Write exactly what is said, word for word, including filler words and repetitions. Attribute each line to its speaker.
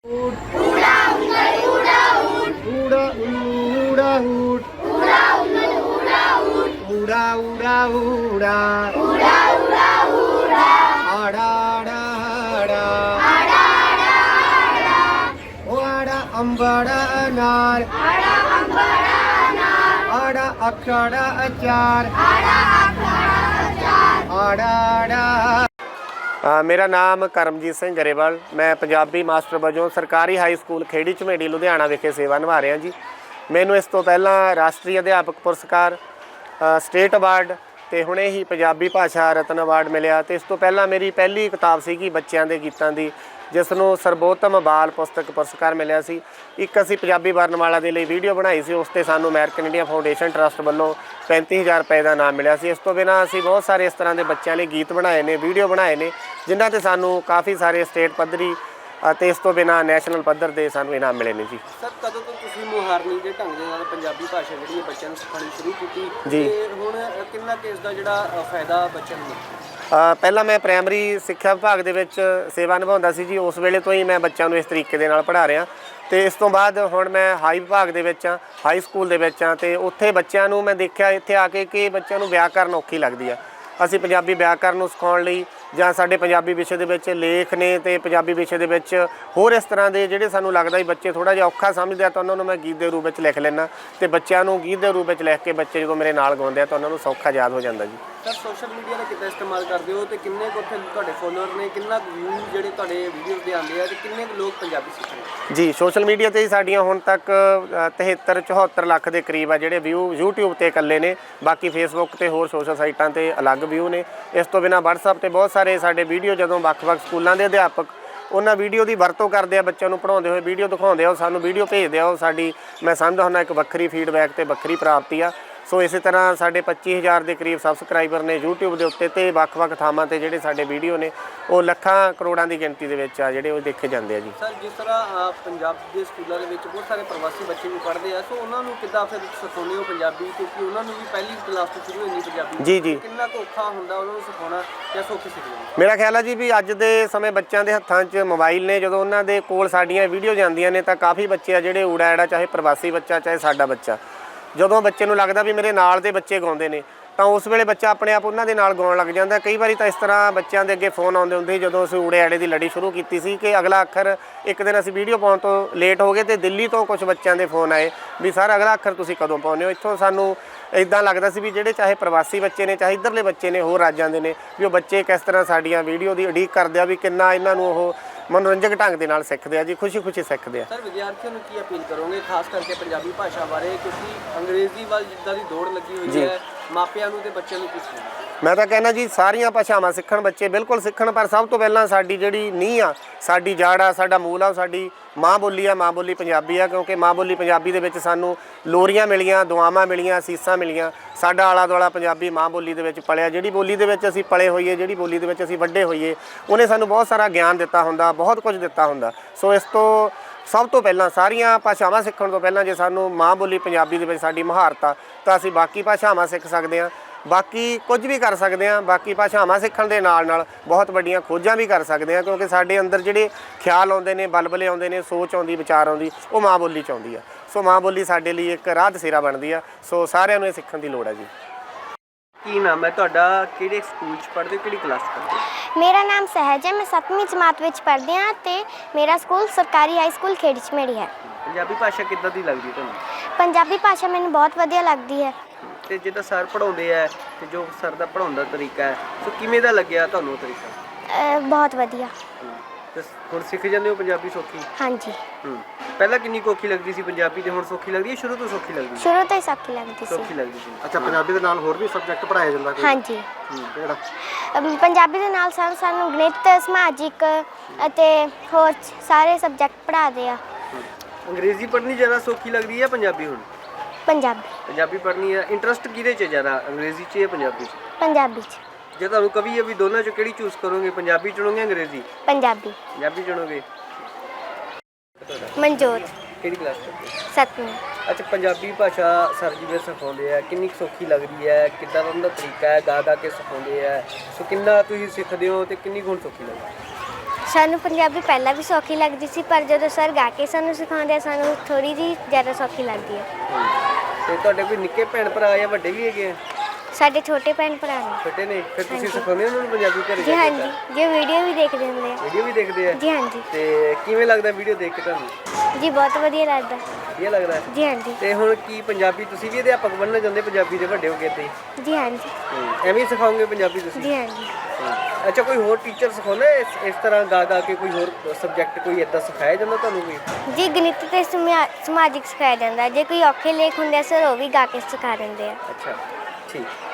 Speaker 1: ऊड़ा ऊँगल ऊड़ा ऊँट ऊड़ा ऊड़ा ऊँट ऊड़ा ऊँगल ऊड़ा ऊँट ऊड़ा ऊड़ा ऊड़ा ऊड़ा ऊड़ा ऊड़ा आड़ा आड़ा आड़ा आड़ा आड़ा आड़ा ओ आड़ा अंबाड़ा अनार आड़ा अंबाड़ा अनार आड़ा अखाड़ा अचार आड़ा अखाड़ा अचार आड़ा आड़ा। आ, मेरा नाम करमजीत ਸਿੰਘ ਗਰੇਵਾਲ। ਮੈਂ ਪੰਜਾਬੀ ਮਾਸਟਰ ਵਜੋਂ ਸਰਕਾਰੀ ਹਾਈ ਸਕੂਲ ਖੇੜੀ ਝਮੇੜੀ ਲੁਧਿਆਣਾ ਵਿਖੇ ਸੇਵਾ ਨਿਭਾ ਰਿਹਾ ਜੀ। ਮੈਨੂੰ ਇਸ ਤੋਂ ਪਹਿਲਾਂ ਰਾਸ਼ਟਰੀ ਅਧਿਆਪਕ ਪੁਰਸਕਾਰ, ਸਟੇਟ ਅਵਾਰਡ ਤੇ ਹੁਣੇ ਹੀ ਪੰਜਾਬੀ ਭਾਸ਼ਾ ਰਤਨ ਅਵਾਰਡ ਮਿਲਿਆ। ਤੇ ਇਸ ਤੋਂ ਪਹਿਲਾਂ ਮੇਰੀ ਪਹਿਲੀ ਕਿਤਾਬ ਸੀਗੀ ਬੱਚਿਆਂ ਦੇ ਗੀਤਾਂ ਦੀ, ਜਿਸ ਨੂੰ ਸਰਬੋਤਮ ਬਾਲ ਪੁਸਤਕ ਪੁਰਸਕਾਰ ਮਿਲਿਆ ਸੀ। ਇੱਕ ਅਸੀਂ ਪੰਜਾਬੀ ਵਰਨਮਾਲਾ ਦੇ ਲਈ ਵੀਡੀਓ ਬਣਾਈ ਸੀ, ਉਸ 'ਤੇ ਸਾਨੂੰ ਅਮਰੀਕਨ ਇੰਡੀਆ ਫਾਊਂਡੇਸ਼ਨ ਟਰਸਟ ਵੱਲੋਂ ਪੈਂਤੀ ਹਜ਼ਾਰ ਰੁਪਏ ਦਾ ਇਨਾਮ ਮਿਲਿਆ ਸੀ। ਇਸ ਤੋਂ ਬਿਨਾਂ ਅਸੀਂ ਬਹੁਤ ਸਾਰੇ ਇਸ ਤਰ੍ਹਾਂ ਦੇ ਬੱਚਿਆਂ ਲਈ ਗੀਤ ਬਣਾਏ ਨੇ, ਵੀਡੀਓ ਬਣਾਏ ਨੇ, ਜਿਨ੍ਹਾਂ 'ਤੇ ਸਾਨੂੰ ਕਾਫੀ ਸਾਰੇ ਸਟੇਟ ਪੱਧਰੀ ਅਤੇ ਇਸ ਤੋਂ ਬਿਨਾਂ ਨੈਸ਼ਨਲ ਪੱਧਰ ਦੇ ਸਾਨੂੰ ਇਨਾਮ ਮਿਲੇ ਨੇ ਜੀ।
Speaker 2: ਸਰ, ਕਦੋਂ ਤੋਂ ਤੁਸੀਂ ਮੁਹਾਰਨੀ ਦੇ ਢੰਗ ਦੇ ਨਾਲ ਪੰਜਾਬੀ ਭਾਸ਼ਾ ਜਿਹੜੀ ਬੱਚਿਆਂ ਨੂੰ ਸਿਖਾਉਣੀ ਸ਼ੁਰੂ ਕੀਤੀ
Speaker 1: ਜੀ,
Speaker 2: ਤੇ ਹੁਣ ਕਿੰਨਾ ਕਿ ਇਸ ਦਾ ਜਿਹੜਾ ਫਾਇਦਾ ਬੱਚਿਆਂ ਨੂੰ?
Speaker 1: ਪਹਿਲਾਂ ਮੈਂ ਪ੍ਰਾਇਮਰੀ ਸਿੱਖਿਆ ਵਿਭਾਗ ਦੇ ਵਿੱਚ ਸੇਵਾ ਨਿਭਾਉਂਦਾ ਸੀ ਜੀ। ਉਸ ਵੇਲੇ ਤੋਂ ਹੀ ਮੈਂ ਬੱਚਿਆਂ ਨੂੰ ਇਸ ਤਰੀਕੇ ਦੇ ਨਾਲ ਪੜ੍ਹਾ ਰਿਹਾ। ਅਤੇ ਇਸ ਤੋਂ ਬਾਅਦ ਹੁਣ ਮੈਂ ਹਾਈ ਵਿਭਾਗ ਦੇ ਵਿੱਚ ਹਾਂ, ਹਾਈ ਸਕੂਲ ਦੇ ਵਿੱਚ ਹਾਂ। ਅਤੇ ਉੱਥੇ ਬੱਚਿਆਂ ਨੂੰ ਮੈਂ ਦੇਖਿਆ ਇੱਥੇ ਆ ਕੇ ਕਿ ਬੱਚਿਆਂ ਨੂੰ ਵਿਆਕਰਨ ਔਖੀ ਲੱਗਦੀ ਆ। ਅਸੀਂ ਪੰਜਾਬੀ ਵਿਆਕਰਨ ਨੂੰ ਸਿਖਾਉਣ ਲਈ ਜਾਂ ਸਾਡੇ ਪੰਜਾਬੀ ਵਿਸ਼ੇ ਦੇ ਵਿੱਚ ਲੇਖ ਨੇ ਅਤੇ ਪੰਜਾਬੀ ਵਿਸ਼ੇ ਦੇ ਵਿੱਚ ਹੋਰ ਇਸ ਤਰ੍ਹਾਂ ਦੇ ਜਿਹੜੇ ਸਾਨੂੰ ਲੱਗਦਾ ਵੀ ਬੱਚੇ ਥੋੜ੍ਹਾ ਜਿਹਾ ਔਖਾ ਸਮਝਦੇ ਆ, ਤਾਂ ਉਹਨਾਂ ਨੂੰ ਮੈਂ ਗੀਤ ਦੇ ਰੂਪ ਵਿੱਚ ਲਿਖ ਲੈਂਦਾ। ਅਤੇ ਬੱਚਿਆਂ ਨੂੰ ਗੀਤ ਦੇ ਰੂਪ ਵਿੱਚ ਲਿਖ ਕੇ ਬੱਚੇ ਜਦੋਂ ਮੇਰੇ ਨਾਲ ਗਾਉਂਦੇ ਆ ਤਾਂ ਉਹਨਾਂ ਨੂੰ ਸੌਖਾ ਯਾਦ ਹੋ ਜਾਂਦਾ ਜੀ।
Speaker 2: ਸਰ, ਸੋਸ਼ਲ ਮੀਡੀਆ ਦਾ ਕਿੱਦਾਂ ਇਸਤੇਮਾਲ ਕਰਦੇ ਹੋ ਅਤੇ ਕਿੰਨੇ ਕੁ ਉੱਥੇ ਤੁਹਾਡੇ ਫੋਲੋਅਰ ਨੇ, ਕਿੰਨਾ ਵਿਊ ਜਿਹੜੇ ਤੁਹਾਡੇ ਵੀਡੀਓਜ਼ ਦੇ ਆਉਂਦੇ ਆ ਅਤੇ ਕਿੰਨੇ ਕੁ ਲੋਕ ਪੰਜਾਬੀ ਸਿੱਖ ਰਹੇ
Speaker 1: ਜੀ? ਸੋਸ਼ਲ ਮੀਡੀਆ 'ਤੇ ਹੀ ਸਾਡੀਆਂ ਹੁਣ ਤੱਕ ਤਿਹੱਤਰ ਚੁਹੱਤਰ ਲੱਖ ਦੇ ਕਰੀਬ ਆ ਜਿਹੜੇ ਵਿਊ ਯੂਟਿਊਬ 'ਤੇ ਇਕੱਲੇ ਨੇ। ਬਾਕੀ ਫੇਸਬੁੱਕ 'ਤੇ ਹੋਰ ਸੋਸ਼ਲ ਸਾਈਟਾਂ 'ਤੇ ਅਲੱਗ ਵਿਊ ਨੇ। ਇਸ ਤੋਂ ਬਿਨਾਂ ਵਟਸਐਪ 'ਤੇ ਬਹੁਤ ਸਾਰੇ ਸਾਡੇ ਵੀਡੀਓ, ਜਦੋਂ ਵੱਖ-ਵੱਖ ਸਕੂਲਾਂ ਦੇ ਅਧਿਆਪਕ ਉਹਨਾਂ ਵੀਡੀਓ ਦੀ ਵਰਤੋਂ ਕਰਦੇ ਆ, ਬੱਚਿਆਂ ਨੂੰ ਪੜ੍ਹਾਉਂਦੇ ਹੋਏ ਵੀਡੀਓ ਦਿਖਾਉਂਦੇ ਆ, ਉਹ ਸਾਨੂੰ ਵੀਡੀਓ ਭੇਜਦੇ ਆ। ਉਹ ਸਾਡੀ ਮੈਂ ਸਮਝਦਾ ਹੁੰਦਾ ਇੱਕ ਵੱਖਰੀ ਫੀਡਬੈਕ ਅਤੇ ਵੱਖਰੀ ਪ੍ਰਾਪਤੀ ਆ। ਸੋ ਇਸੇ ਤਰ੍ਹਾਂ ਸਾਡੇ ਪੱਚੀ ਹਜ਼ਾਰ ਦੇ ਕਰੀਬ ਸਬਸਕ੍ਰਾਈਬਰ ਨੇ ਯੂਟਿਊਬ ਦੇ ਉੱਤੇ, ਅਤੇ ਵੱਖ-ਵੱਖ ਥਾਵਾਂ 'ਤੇ ਜਿਹੜੇ ਸਾਡੇ ਵੀਡੀਓ ਨੇ ਉਹ ਲੱਖਾਂ ਕਰੋੜਾਂ ਦੀ ਗਿਣਤੀ ਦੇ ਵਿੱਚ ਆ ਜਿਹੜੇ ਉਹ ਦੇਖੇ ਜਾਂਦੇ ਆ ਜੀ।
Speaker 2: ਸਰ, ਜਿਸ ਤਰ੍ਹਾਂ ਪੰਜਾਬ ਦੇ ਸਕੂਲਾਂ ਦੇ ਵਿੱਚ ਬਹੁਤ ਸਾਰੇ ਪ੍ਰਵਾਸੀ ਬੱਚੇ ਵੀ ਪੜ੍ਹਦੇ ਆ, ਸੋ ਉਹਨਾਂ ਨੂੰ ਕਿੱਦਾਂ ਫਿਰ ਸਿਖਾਉਂਦੇ ਹੋ ਪੰਜਾਬੀ? ਕਿਉਂਕਿ ਉਹਨਾਂ ਨੂੰ ਵੀ ਪਹਿਲੀ ਕਲਾਸ ਤੋਂ ਸ਼ੁਰੂ ਹੋਣੀ ਪੰਜਾਬੀ।
Speaker 1: ਜੀ ਜੀ।
Speaker 2: ਕਿੰਨਾ ਕੁ ਔਖਾ ਹੁੰਦਾ ਉਹਨਾਂ ਨੂੰ ਸਿਖਾਉਣਾ ਜਾਂ ਸੌਖੀ ਸਿੱਖਣਾ?
Speaker 1: ਮੇਰਾ ਖਿਆਲ ਹੈ ਜੀ ਵੀ ਅੱਜ ਦੇ ਸਮੇਂ ਬੱਚਿਆਂ ਦੇ ਹੱਥਾਂ 'ਚ ਮੋਬਾਈਲ ਨੇ। ਜਦੋਂ ਉਹਨਾਂ ਦੇ ਕੋਲ ਸਾਡੀਆਂ ਵੀਡੀਓ ਜਾਂਦੀਆਂ ਨੇ ਤਾਂ ਕਾਫੀ ਬੱਚੇ ਆ ਜਿਹੜੇ ਊੜਾ ਐੜਾ, ਚਾਹੇ ਪ੍ਰਵਾਸੀ ਬੱਚਾ ਚਾਹੇ ਸਾਡਾ ਬੱਚਾ, ਜਦੋਂ ਬੱਚੇ ਨੂੰ ਲੱਗਦਾ ਵੀ ਮੇਰੇ ਨਾਲ ਦੇ ਬੱਚੇ ਗਾਉਂਦੇ ਨੇ ਤਾਂ ਉਸ ਵੇਲੇ ਬੱਚਾ ਆਪਣੇ ਆਪ ਉਹਨਾਂ ਦੇ ਨਾਲ ਗਾਉਣ ਲੱਗ ਜਾਂਦਾ। ਕਈ ਵਾਰੀ ਤਾਂ ਇਸ ਤਰ੍ਹਾਂ ਬੱਚਿਆਂ ਦੇ ਅੱਗੇ ਫੋਨ ਆਉਂਦੇ ਹੁੰਦੇ, ਜਦੋਂ ਅਸੀਂ ਊੜੇ ਐੜੇ ਦੀ ਲੜੀ ਸ਼ੁਰੂ ਕੀਤੀ ਸੀ, ਕਿ ਅਗਲਾ ਅੱਖਰ ਇੱਕ ਦਿਨ ਅਸੀਂ ਵੀਡੀਓ ਪਾਉਣ ਤੋਂ ਲੇਟ ਹੋ ਗਏ ਅਤੇ ਦਿੱਲੀ ਤੋਂ ਕੁਝ ਬੱਚਿਆਂ ਦੇ ਫੋਨ ਆਏ ਵੀ ਸਰ ਅਗਲਾ ਅੱਖਰ ਤੁਸੀਂ ਕਦੋਂ ਪਾਉਂਦੇ ਹੋ। ਇੱਥੋਂ ਸਾਨੂੰ ਇੱਦਾਂ ਲੱਗਦਾ ਸੀ ਵੀ ਜਿਹੜੇ ਚਾਹੇ ਪ੍ਰਵਾਸੀ ਬੱਚੇ ਨੇ, ਚਾਹੇ ਇੱਧਰਲੇ ਬੱਚੇ ਨੇ ਹੋਰ ਰਾਜਾਂ ਦੇ ਨੇ, ਵੀ ਉਹ ਬੱਚੇ ਕਿਸ ਤਰ੍ਹਾਂ ਸਾਡੀਆਂ ਵੀਡੀਓ ਦੀ ਉਡੀਕ ਕਰਦੇ ਆ, ਵੀ ਕਿੰਨਾ ਇਹਨਾਂ ਨੂੰ ਉਹ ਮਨੋਰੰਜਕ ਢੰਗ ਦੇ ਨਾਲ ਸਿੱਖਦੇ ਆ ਜੀ, ਖੁਸ਼ੀ ਖੁਸ਼ੀ ਸਿੱਖਦੇ ਆ।
Speaker 2: ਸਰ, ਵਿਦਿਆਰਥੀਆਂ ਨੂੰ ਕੀ ਅਪੀਲ ਕਰੋਗੇ ਖਾਸ ਕਰਕੇ ਪੰਜਾਬੀ ਭਾਸ਼ਾ ਬਾਰੇ, ਕਿਉਂਕਿ ਅੰਗਰੇਜ਼ੀ ਵੱਲ ਜਿੱਦਾਂ ਦੀ ਦੌੜ ਲੱਗੀ ਹੋਈ ਹੈ, ਮਾਪਿਆਂ ਨੂੰ ਤੇ ਬੱਚਿਆਂ ਨੂੰ ਕੀ ਸਿਖਾਉਣਾ?
Speaker 1: ਮੈਂ ਤਾਂ ਕਹਿੰਦਾ ਜੀ ਸਾਰੀਆਂ ਭਾਸ਼ਾਵਾਂ ਸਿੱਖਣ, ਬੱਚੇ ਬਿਲਕੁਲ ਸਿੱਖਣ, ਪਰ ਸਭ ਤੋਂ ਪਹਿਲਾਂ ਸਾਡੀ ਜਿਹੜੀ ਨੀਂਹ ਆ, ਸਾਡੀ ਜੜ ਆ, ਸਾਡਾ ਮੂਲ ਆ, ਉਹ ਸਾਡੀ ਮਾਂ ਬੋਲੀ ਆ, ਮਾਂ ਬੋਲੀ ਪੰਜਾਬੀ ਆ। ਕਿਉਂਕਿ ਮਾਂ ਬੋਲੀ ਪੰਜਾਬੀ ਦੇ ਵਿੱਚ ਸਾਨੂੰ ਲੋਰੀਆਂ ਮਿਲੀਆਂ, ਦੁਆਵਾਂ ਮਿਲੀਆਂ, ਅਸੀਸਾਂ ਮਿਲੀਆਂ। ਸਾਡਾ ਆਲਾ ਦੁਆਲਾ ਪੰਜਾਬੀ ਮਾਂ ਬੋਲੀ ਦੇ ਵਿੱਚ ਪਲਿਆ। ਜਿਹੜੀ ਬੋਲੀ ਦੇ ਵਿੱਚ ਅਸੀਂ ਪਲੇ ਹੋਈਏ, ਜਿਹੜੀ ਬੋਲੀ ਦੇ ਵਿੱਚ ਅਸੀਂ ਵੱਡੇ ਹੋਈਏ, ਉਹਨੇ ਸਾਨੂੰ ਬਹੁਤ ਸਾਰਾ ਗਿਆਨ ਦਿੱਤਾ ਹੁੰਦਾ, ਬਹੁਤ ਕੁਝ ਦਿੱਤਾ ਹੁੰਦਾ। ਸੋ ਇਸ ਤੋਂ ਸਭ ਤੋਂ ਪਹਿਲਾਂ ਸਾਰੀਆਂ ਭਾਸ਼ਾਵਾਂ ਸਿੱਖਣ ਤੋਂ ਪਹਿਲਾਂ ਜੇ ਸਾਨੂੰ ਮਾਂ ਬੋਲੀ ਪੰਜਾਬੀ ਦੇ ਵਿੱਚ ਸਾਡੀ ਮੁਹਾਰਤ ਆ, ਤਾਂ ਅਸੀਂ ਬਾਕੀ ਭਾਸ਼ਾਵਾਂ ਸਿੱਖ ਸਕਦੇ ਹਾਂ, ਬਾਕੀ ਕੁਝ ਵੀ ਕਰ ਸਕਦੇ ਹਾਂ। ਬਾਕੀ ਭਾਸ਼ਾਵਾਂ ਸਿੱਖਣ ਦੇ ਨਾਲ ਨਾਲ ਬਹੁਤ ਵੱਡੀਆਂ ਖੋਜਾਂ ਵੀ ਕਰ ਸਕਦੇ ਹਾਂ, ਕਿਉਂਕਿ ਸਾਡੇ ਅੰਦਰ ਜਿਹੜੇ ਖਿਆਲ ਆਉਂਦੇ ਨੇ, ਬਲਬਲੇ ਆਉਂਦੇ ਨੇ, ਸੋਚ ਆਉਂਦੀ, ਵਿਚਾਰ ਆਉਂਦੀ, ਉਹ ਮਾਂ ਬੋਲੀ 'ਚ ਆਉਂਦੀ ਆ। ਸੋ ਮਾਂ ਬੋਲੀ ਸਾਡੇ ਲਈ ਇੱਕ ਰਾਹ ਦਸੇਰਾ ਬਣਦੀ ਆ। ਸੋ ਸਾਰਿਆਂ ਨੂੰ ਇਹ ਸਿੱਖਣ ਦੀ ਲੋੜ ਹੈ ਜੀ।
Speaker 2: ਕੀ ਨਾਮ ਹੈ ਤੁਹਾਡਾ? ਕਿਹੜੇ ਸਕੂਲ 'ਚ ਪੜ੍ਹਦੇ ਹੋ? ਕਿਹੜੀ ਕਲਾਸ 'ਚ ਪੜ੍ਹਦੇ ਹੋ?
Speaker 3: ਮੇਰਾ ਨਾਮ ਸਹਿਜ ਹੈ। ਮੈਂ ਸੱਤਵੀਂ ਜਮਾਤ ਵਿੱਚ ਪੜ੍ਹਦੀ ਹਾਂ ਅਤੇ ਮੇਰਾ ਸਕੂਲ ਸਰਕਾਰੀ ਹਾਈ ਸਕੂਲ ਖੇੜੀ ਝਮੇੜੀ ਹੈ।
Speaker 2: ਪੰਜਾਬੀ ਭਾਸ਼ਾ ਕਿੱਦਾਂ ਦੀ ਲੱਗਦੀ ਤੁਹਾਨੂੰ?
Speaker 3: ਪੰਜਾਬੀ ਭਾਸ਼ਾ ਮੈਨੂੰ ਬਹੁਤ ਵਧੀਆ ਲੱਗਦੀ ਹੈ।
Speaker 2: ਅਤੇ ਜਿੱਦਾਂ ਸਰ ਪੜ੍ਹਾਉਂਦੇ ਹੈ ਅਤੇ ਜੋ ਸਰ ਦਾ ਪੜ੍ਹਾਉਣ ਦਾ ਤਰੀਕਾ ਹੈ, ਸੋ ਕਿਵੇਂ ਦਾ ਲੱਗਿਆ ਤੁਹਾਨੂੰ ਉਹ ਤਰੀਕਾ?
Speaker 3: ਬਹੁਤ ਵਧੀਆ।
Speaker 2: ਅਤੇ ਹੁਣ ਸਿੱਖ ਜਾਂਦੇ ਹੋ ਪੰਜਾਬੀ ਸੌਖੀ?
Speaker 3: ਹਾਂਜੀ।
Speaker 2: ਹੂੰ ਪਹਿਲਾਂ ਕਿੰਨੀ ਕੁ ਔਖੀ ਲੱਗਦੀ ਸੀ ਪੰਜਾਬੀ, ਤੇ ਹੁਣ ਸੌਖੀ ਲੱਗਦੀ ਹੈ? ਸ਼ੁਰੂ ਤੋਂ ਸੌਖੀ ਲੱਗਦੀ ਸੀ?
Speaker 3: ਸ਼ੁਰੂ ਤੋਂ ਹੀ ਸੌਖੀ ਲੱਗਦੀ ਸੀ।
Speaker 2: ਸੌਖੀ ਲੱਗਦੀ ਸੀ।
Speaker 4: ਅੱਛਾ, ਪੰਜਾਬੀ ਦੇ ਨਾਲ ਹੋਰ ਵੀ ਸਬਜੈਕਟ ਪੜ੍ਹਾਇਆ ਜਾਂਦਾ ਕੋਈ?
Speaker 3: ਹਾਂਜੀ।
Speaker 4: ਕਿਹੜਾ?
Speaker 3: ਪੰਜਾਬੀ ਦੇ ਨਾਲ ਸਾਨੂੰ ਸਾਨੂੰ ਗਣਿਤ, ਸਮਾਜਿਕ ਅਤੇ ਹੋਰ ਸਾਰੇ ਸਬਜੈਕਟ ਪੜ੍ਹਾਉਂਦੇ ਆ।
Speaker 2: ਅੰਗਰੇਜ਼ੀ ਪੜ੍ਹਨੀ ਜ਼ਿਆਦਾ ਸੌਖੀ ਲੱਗਦੀ ਹੈ ਪੰਜਾਬੀ? ਹੁਣ
Speaker 3: ਪੰਜਾਬੀ
Speaker 2: ਪੰਜਾਬੀ ਪੜ੍ਹਨੀ ਹੈ। ਇੰਟਰਸਟ ਕਿਹਦੇ 'ਚ ਜ਼ਿਆਦਾ, ਅੰਗਰੇਜ਼ੀ 'ਚ ਜਾਂ ਪੰਜਾਬੀ 'ਚ?
Speaker 3: ਪੰਜਾਬੀ 'ਚ।
Speaker 2: ਜੇ ਤੁਹਾਨੂੰ ਕਵੀ ਵੀ ਦੋਨਾਂ 'ਚੋਂ ਕਿਹੜੀ ਚੂਜ਼ ਕਰੋਗੇ, ਪੰਜਾਬੀ ਚੁਣੋਗੇ ਅੰਗਰੇਜ਼ੀ?
Speaker 3: ਪੰਜਾਬੀ।
Speaker 2: ਪੰਜਾਬੀ ਚੁਣੋਗੇ।
Speaker 3: ਮਨਜੋਤ।
Speaker 2: ਕਿਹੜੀ ਕਲਾਸ 'ਚ?
Speaker 3: ਸੱਤਵੀਂ।
Speaker 2: ਅੱਛਾ, ਪੰਜਾਬੀ ਭਾਸ਼ਾ ਸਰ ਜੀ ਦੇ ਸਿਖਾਉਂਦੇ ਆ, ਕਿੰਨੀ ਸੌਖੀ ਲੱਗਦੀ ਹੈ? ਕਿੱਦਾਂ ਦਾ ਉਹਨਾਂ ਦਾ ਤਰੀਕਾ ਹੈ? ਗਾ ਗਾ ਕੇ ਸਿਖਾਉਂਦੇ ਆ, ਸੋ ਕਿੰਨਾ ਤੁਸੀਂ ਸਿੱਖਦੇ ਹੋ ਅਤੇ ਕਿੰਨੀ ਗੁਣ ਸੌਖੀ ਲੱਗਦੀ?
Speaker 3: ਸਾਨੂੰ ਪੰਜਾਬੀ ਪਹਿਲਾਂ ਵੀ ਸੌਖੀ ਲੱਗਦੀ ਸੀ, ਪਰ ਜਦੋਂ ਸਰ ਗਾ ਕੇ ਸਾਨੂੰ ਸਿਖਾਉਂਦੇ ਆ ਸਾਨੂੰ ਥੋੜੀ ਜਿਹੀ ਜ਼ਿਆਦਾ ਸੌਖੀ ਲੱਗਦੀ ਹੈ।
Speaker 2: ਤੇ ਤੁਹਾਡੇ ਕੋਈ ਨਿੱਕੇ ਭੈਣ ਭਰਾ ਜਾਂ ਵੱਡੇ ਵੀ ਹੈਗੇ ਆ?
Speaker 3: ਸਾਡੇ ਛੋਟੇ ਭੈਣ ਭਰਾ ਨੇ।
Speaker 2: ਛੋਟੇ ਨੇ, ਫਿਰ ਤੁਸੀਂ
Speaker 3: ਹਾਂਜੀ।
Speaker 2: ਸਿਖਾਉਂਦੇ ਹੋ ਉਹਨਾਂ ਨੂੰ ਪੰਜਾਬੀ ਘਰੇ
Speaker 3: ਜੀ ਹਾਂਜੀ, ਜੇ ਵੀਡੀਓ ਵੀ ਦੇਖਦੇ ਹੁੰਦੇ ਆ।
Speaker 2: ਵੀਡੀਓ ਵੀ ਦੇਖਦੇ ਆ?
Speaker 3: ਜੀ ਹਾਂਜੀ।
Speaker 2: ਤੇ ਕਿਵੇਂ ਲੱਗਦਾ ਵੀਡੀਓ ਦੇਖ ਕੇ ਤੁਹਾਨੂੰ?
Speaker 3: ਜੀ ਬਹੁਤ ਵਧੀਆ ਲੱਗਦਾ।
Speaker 2: ਵਧੀਆ ਲੱਗਦਾ ਹੈ?
Speaker 3: ਜੀ ਹਾਂਜੀ।
Speaker 2: ਤੇ ਹੁਣ ਕੀ ਪੰਜਾਬੀ ਤੁਸੀਂ ਵੀ ਅਧਿਆਪਕ ਬਣਨਾ ਚਾਹੁੰਦੇ ਪੰਜਾਬੀ ਦੇ ਵੱਡੇ ਹੋ ਕੇ ਤੇ?
Speaker 3: ਜੀ ਹਾਂਜੀ।
Speaker 2: ਐਵੇਂ ਹੀ ਸਿਖਾਓਗੇ ਪੰਜਾਬੀ ਤੁਸੀਂ?
Speaker 3: ਜੀ ਹਾਂਜੀ।
Speaker 2: ਅੱਛਾ, ਕੋਈ ਹੋਰ ਟੀਚਰ ਸਿਖਾਉਂਦਾ ਇਸ ਇਸ ਤਰ੍ਹਾਂ ਗਾ ਗਾ ਕੇ ਕੋਈ ਹੋਰ ਸਬਜੈਕਟ ਕੋਈ ਇਦਾਂ ਸਿਖਾਇਆ ਜਾਂਦਾ ਤੁਹਾਨੂੰ ਕੋਈ?
Speaker 3: ਜੀ ਗਣਿਤ ਤੇ ਸਮਾ- ਸਮਾਜਿਕ ਸਿਖਾਇਆ ਜਾਂਦਾ। ਜੇ ਕੋਈ ਔਖੇ ਲੇਖ ਹੁੰਦੇ ਆ ਸਰ ਉਹ ਵੀ ਗਾ ਕੇ ਸਿਖਾ ਦਿੰਦੇ ਆ।
Speaker 2: ਅੱਛਾ, ਠੀਕ।